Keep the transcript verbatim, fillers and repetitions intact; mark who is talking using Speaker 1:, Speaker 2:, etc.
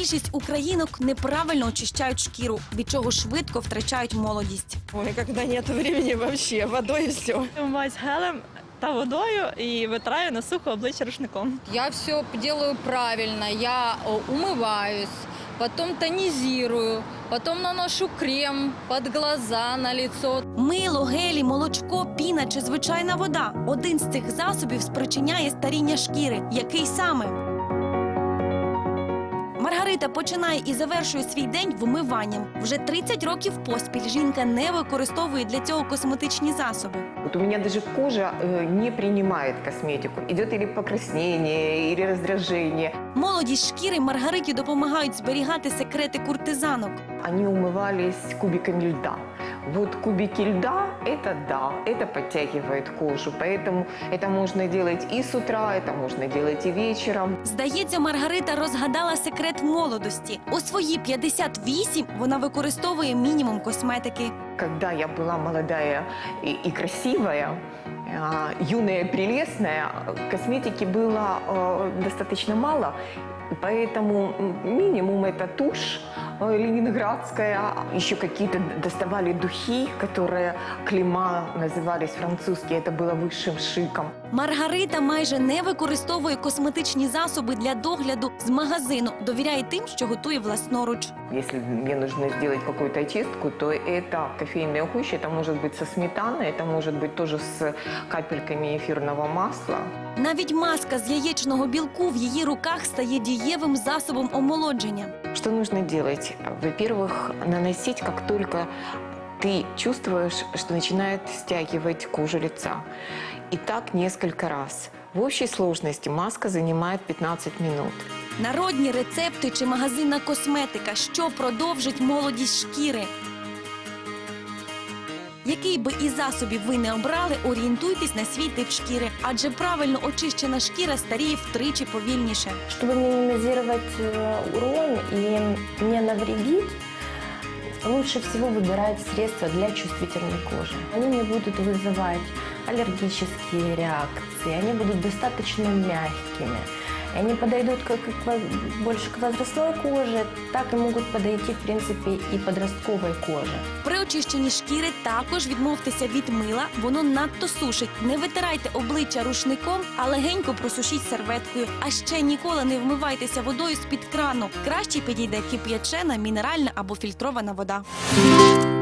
Speaker 1: Більшість українок неправильно очищають шкіру, від чого швидко втрачають молодість.
Speaker 2: Ой, когда нет времени вообще, водой и все.
Speaker 3: Вмиваюсь гелем та водою і витираю на сухо обличчя рушником.
Speaker 4: Я все делаю правильно, я э, умываюсь, потом тонизирую, потом наношу крем под глаза, на лицо.
Speaker 1: Мило, гелі, молочко, піна чи звичайна вода – один з цих засобів спричиняє старіння шкіри. Який саме? Маргарита починає і завершує свій день вмиванням. Вже тридцять років поспіль жінка не використовує для цього косметичні засоби.
Speaker 5: Вот у меня даже кожа э, не принимает косметику. Идет или покраснение, или раздражение.
Speaker 1: Молодість шкіри Маргариті допомагають зберігати секрети куртизанок.
Speaker 5: Они умывались кубиками льда. Вот кубики льда – это да, это подтягивает кожу. Поэтому это можно делать и с утра, это можно делать и вечером.
Speaker 1: Здається, Маргарита розгадала секрет молодості. У свої п'ятдесят вісім вона використовує мінімум косметики.
Speaker 5: Когда я была молодая и, и красивая, а, юная, прелестная, косметики было э, достаточно мало. Поэтому минимум это тушь э, ленинградская, еще какие-то доставали духи, которые клейма назывались французские, это было высшим шиком.
Speaker 1: Маргарита майже не використовує косметичні засоби для догляду з магазину. Довіряє тим, що готує власноруч.
Speaker 5: Если мне нужно сделать какую-то очистку, то это кофейная гуща, это может быть со сметаной, это может быть тоже с капельками эфирного масла.
Speaker 1: Навіть маска з яєчного білку в її руках стає дієвим засобом омолодження.
Speaker 5: Что нужно делать? Во-первых, наносить, как только ты чувствуешь, что начинает стягивать кожу лица. И так несколько раз. В общей сложности маска занимает пятнадцать минут.
Speaker 1: Народні рецепти чи магазинна косметика, що продовжить молодість шкіри. Який би із засобів ви не обрали, орієнтуйтесь на свій тип шкіри, адже правильно очищена шкіра старіє втричі повільніше.
Speaker 6: Чтобы минимизировать э, урон и не навредить, лучше всего выбирать средства для чувствительной кожи. Они не будут вызывать аллергические реакции, они будут достаточно мягкими. И они подойдут как к, больше к возрастной коже, так и могут подойти, в принципе, и подростковой коже.
Speaker 1: При очищенні шкіри також відмовтеся від мила, воно надто сушить. Не витирайте обличчя рушником, а легенько просушіть серветкою. А ще ніколи не вмивайтеся водою з-під крану. Краще підійде кип'ячена, мінеральна або фільтрована вода.